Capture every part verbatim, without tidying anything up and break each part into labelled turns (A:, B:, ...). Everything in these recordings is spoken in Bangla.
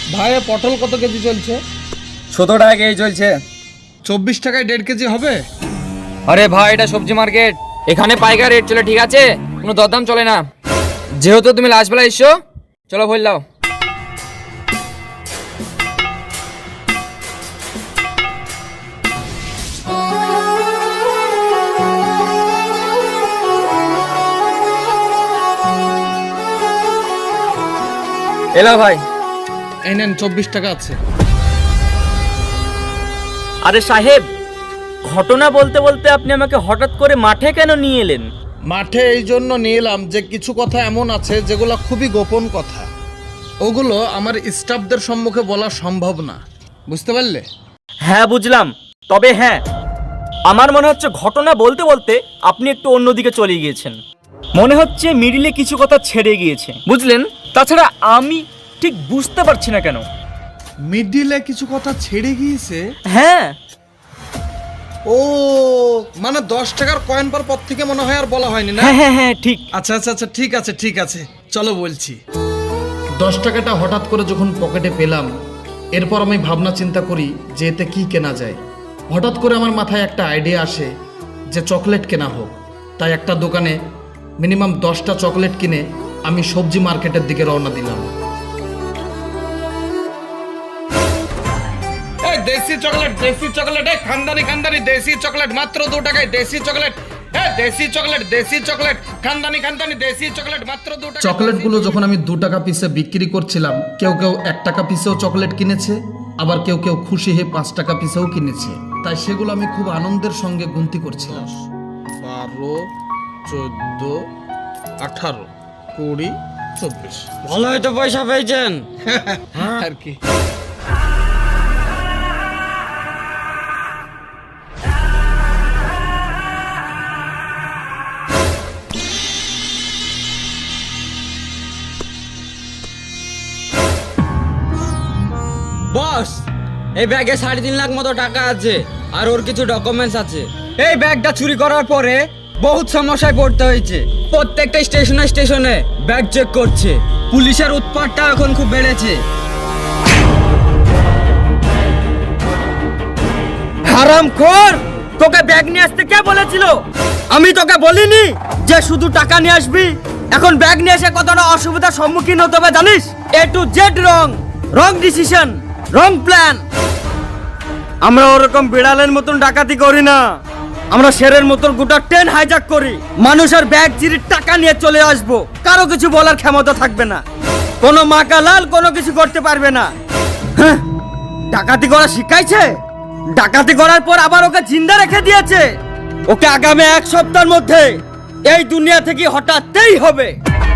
A: ভাই পটল কত কেজি চলছে?
B: সতেরো টাকা কেজি চলছে।
A: চব্বিশ টাকায় দেড় কেজি হবে?
B: আরে ভাই এটা সবজি মার্কেট, এখানে পাইকারি রেট চলে, ঠিক আছে? কোনো দরদাম চলে না। যেহেতু তুমি লাস্ট বেলা এসছো, চলো ভুল দাও। এলা ভাই
A: এই নেন চব্বিশ টাকা আছে।
C: আরে সাহেব, ঘটনা বলতে বলতে আপনি আমাকে হঠাৎ করে মাঠে কেন নিয়ে এলেন?
A: মাঠে এই জন্য নিয়ে এলাম যে কিছু কথা এমন আছে যেগুলো খুবই গোপন কথা, ওগুলো আমার স্টাফদের সম্মুখে বলা সম্ভব না, বুঝতে পারলে?
C: হ্যাঁ বুঝলাম, তবে হ্যাঁ আমার মনে হচ্ছে ঘটনা বলতে বলতে আপনি একটু অন্যদিকে চলে গিয়েছেন। মনে হচ্ছে মিডিলে কিছু কথা ছেড়ে গিয়েছে, বুঝলেন? তাছাড়া আমি ঠিক বুঝতে পারছি না কেন।
A: মিডিলে কিছু কথা ছেড়ে গিয়েছে?
C: হ্যাঁ।
A: ও মানে দশ টাকার কয়েন পর পর থেকে মনে হয় আর বলা হয়নি না?
C: হ্যাঁ হ্যাঁ হ্যাঁ ঠিক।
A: আচ্ছা আচ্ছা আচ্ছা ঠিক আছে ঠিক আছে চলো বলছি। দশ টাকাটা হঠাৎ করে যখন পকেটে পেলাম, এরপর আমি ভাবনা চিন্তা করি যে এতে কি কেনা যায়। হঠাৎ করে আমার মাথায় একটা আইডিয়া আসে যে চকলেট কেনা হোক। তাই একটা দোকানে মিনিমাম দশটা চকলেট কিনে আমি সবজি মার্কেটের দিকে রওনা দিলাম। দেশি চকলেট দেশি চকলেট এই খানদানি খানদানি দেশি চকলেট মাত্র দু টাকায় দেশি চকলেট এই দেশি চকলেট দেশি চকলেট খানদানি খানদানি দেশি চকলেট মাত্র দু টাকা। চকলেটগুলো যখন আমি দু টাকা পিসে বিক্রি করছিলাম, কেউ কেউ এক টাকা পিসেও চকলেট কিনেছে, আবার কেউ কেউ খুশি হয়ে পাঁচ টাকা পিসেও কিনেছে। তাই সেগুলো আমি খুব আনন্দের সঙ্গে গুনতি করছিলাম। বারো চোদ্দ আঠারো কুড়ি চব্বিশ।
D: ভালো হয়তো পয়সা পেয়েছেন
A: আর কি।
D: বস, এই ব্যাগে সাড়ে তিন লাখ মতো টাকা আছে, আর ওর কিছু ডকুমেন্টস আছে।
B: এই ব্যাগটা চুরি করার পরে বহুত সমস্যায় পড়তে হয়েছে। প্রত্যেকটা স্টেশনে স্টেশনে ব্যাগ চেক করছে, পুলিশের উৎপাতটা এখন খুব বেড়েছে।
C: হারামখোর, তোকে ব্যাগ নিয়ে আসতে কে বলেছিল? আমি তোকে বলিনি যে শুধু টাকা নিয়ে আসবি? এখন ব্যাগ নিয়ে এসে কতটা অসুবিধার সম্মুখীন হতে হবে জানিস? A to Z wrong, wrong decision, wrong plan. আমরা ওরকম বিড়ালের মতন ডাকাতি করি না, আমরা শেরের মতন গোটা ট্রেন হাইজ্যাক করি। মানুষের ব্যাগ চিরি টাকা নিয়ে চলে আসবো, কারো কিছু বলার ক্ষমতা থাকবে না। কোনো মাকালাল কোনো কিছু করতে পারবে না। হ্যাঁ, ডাকাতি করা শিখাইছে, ডাকাতি করার পর আবার ওকে জিন্দা রেখে দিয়েছে। ওকে আগামী এক সপ্তাহের মধ্যে এই দুনিয়া থেকে হঠাৎই হবে।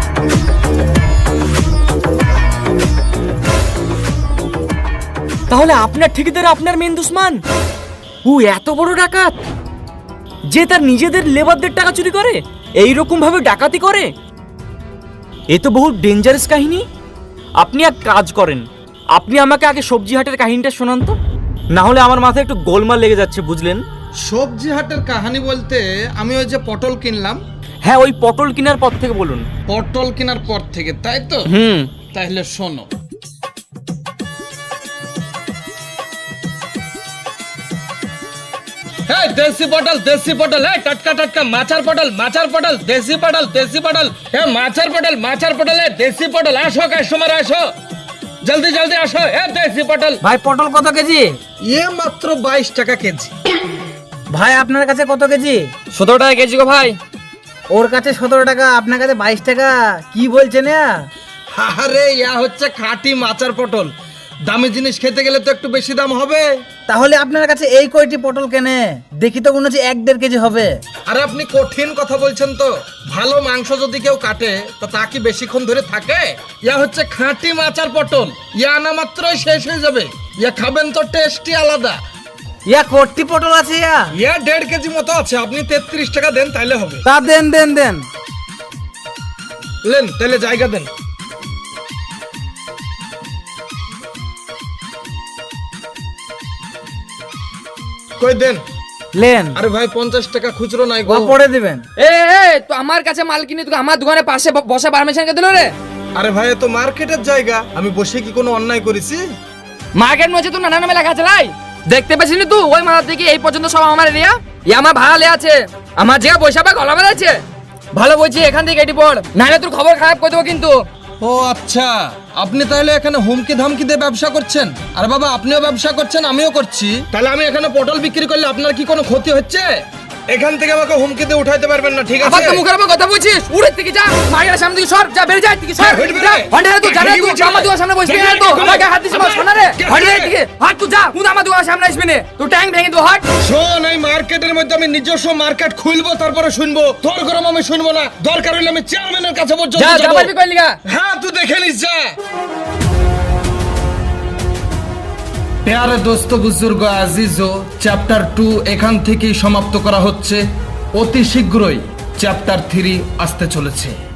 C: তাহলে আপনার ঠিকাদার আপনার মেন দুশমন? ও এত বড় ডাকাত যে তার নিজেদের লেবারদের টাকা চুরি করে, এই রকম ভাবে ডাকাতি করে? এ তো বহু ডেঞ্জারাস কাহিনী। আপনি এক কাজ করেন, আপনি আমাকে আগে সবজি হাটের কাহিনীটা শোনান তো, না হলে আমার মাথায় একটু গোলমাল লেগে যাচ্ছে, বুঝলেন?
A: সবজি হাটের কাহিনী বলতে আমি ওই যে পটল কিনলাম।
C: হ্যাঁ, ওই পটল কেনার পর থেকে বলুন।
A: পটল কেনার পর থেকে, তাই তো?
C: হুম।
A: তাহলে শোনো। এই দেশি পটল দেশি পটল, এই টাটকা টাটকা মাছার পটল মাছার পটল দেশি পটল দেশি পটল, এ মাছার পটল মাছার পটল, এ দেশি পটল। আসো কাস্টমার আসো, জলদি জলদি আসো। এ দেশি পটল।
B: ভাই পটল কত কেজি?
A: এ মাত্র বাইশ টাকা কেজি।
E: ভাই আপনার কাছে কত কেজি?
B: সতেরো টাকা কেজি গো ভাই।
E: ওর কাছে সতেরো টাকা, আপনার কাছে বাইশ টাকা, কি বলছেন?
A: আরে ইয়া হচ্ছে খাঁটি মাছার পটল, দামি জিনিস খেতে গেলে তো একটু বেশি দাম হবে।
E: তাহলে আপনার কাছে এই কয়টি পটল কেনে? দেখি তো মনে হচ্ছে এক দেড় কেজি হবে।
A: আরে আপনি কঠিন কথা বলছেন তো। ভালো মাংস যদি কেউ কাটে তা তা কি বেশিক্ষণ ধরে থাকে? ইয়া হচ্ছে খাঁটি মাছার পটল, ইয়া আনা মাত্রই শেষ হয়ে যাবে। ইয়া খাবেন তো টেস্টই আলাদা।
E: ইয়া কয়টি পটল আছে? ইয়া
A: ইয়া দেড় কেজি মতো আছে। আপনি তেত্রিশ টাকা দেন তাইলে হবে।
E: তা দেন দেন দেন।
A: লেন তাইলে জায়গা দেন। কই দেন।
E: লেন।
A: আরে ভাই পঞ্চাশ টাকা খুচরো নাই গো।
E: পরে দিবেন।
B: এ এ তো আমার কাছে মাল কিনে তোকে আমার দোকানের পাশে বসা পারমিশন কে দিল রে?
A: আরে ভাই এ তো মার্কেটের জায়গা, আমি বসে কি কোনো অন্যায় করেছি?
F: মার্কেট মধ্যে তো নানা নামে লেখা আছে লাই, দেখতে পেছিলি তুই ওই মাথা থেকে এই পর্যন্ত সব আমার এরিয়া, ই আমার ভাড়া লে আছে, আমার জায়গা পয়সা পা গলা বেড়াচ্ছে। ভালো বলছি এখান থেকে এটি পড়, নাহলে তোর খবর খারাপ করে দেবো কিন্তু।
A: ও আচ্ছা, আপনি তাহলে এখানে হুমকি ধামকি দিয়ে ব্যবসা করছেন? আর বাবা আপনিও ব্যবসা করছেন, আমিও করছি, তাহলে আমি এখানে পটল বিক্রি করলে আপনার কি কোনো ক্ষতি হচ্ছে? এখান থেকে আমাকে হুমকি দিয়ে উঠাইতে পারবেন না, ঠিক
F: আবার
A: আছে?
F: তো মুখের উপর কথা বলছিস, উড়ের থেকে যা, মার্কেটের সামনে থেকে সর, যা বেরিয়ে যা থেকে সর,
A: হ্যাঁ, হইট বেরে।
F: যা হন্ডারে তুই জানা
A: হ্যাঁ,
F: তুই
A: হইট
F: আমার দোকানের সামনে বসবি না
A: হ্যাঁ,
F: তো,
A: হ্যাঁ,
F: আমাকে হাত দিস
A: হ্যাঁ,
F: শোনা রে,
A: হ্যাঁ,
F: হন্ডারে
A: হ্যাঁ,
F: থেকে হাত তুই যা, তুই আমার দোকানের সামনে আসবি না, তুই ট্যাঙ্ক ভেঙে দু হাট।
A: শোন, এই মার্কেটের মধ্যে আমি নিজস্ব মার্কেট খুলবো, তারপরে শুনবো, তোর গরম আমি শুনবো না, দরকার হলে আমি চেয়ারম্যানের কাছে পর্যন্ত
F: যা যা
A: যাবো।
F: পারবি কইলি গা।
A: হ্যাঁ তুই দেখে নিস যা। প্যারে দোস্ত বুজুর্গ আজিজো, চ্যাপ্টার টু এখান থেকেই সমাপ্ত করা হচ্ছে। অতি শীঘ্রই চ্যাপ্টার থ্রি আসতে চলেছে।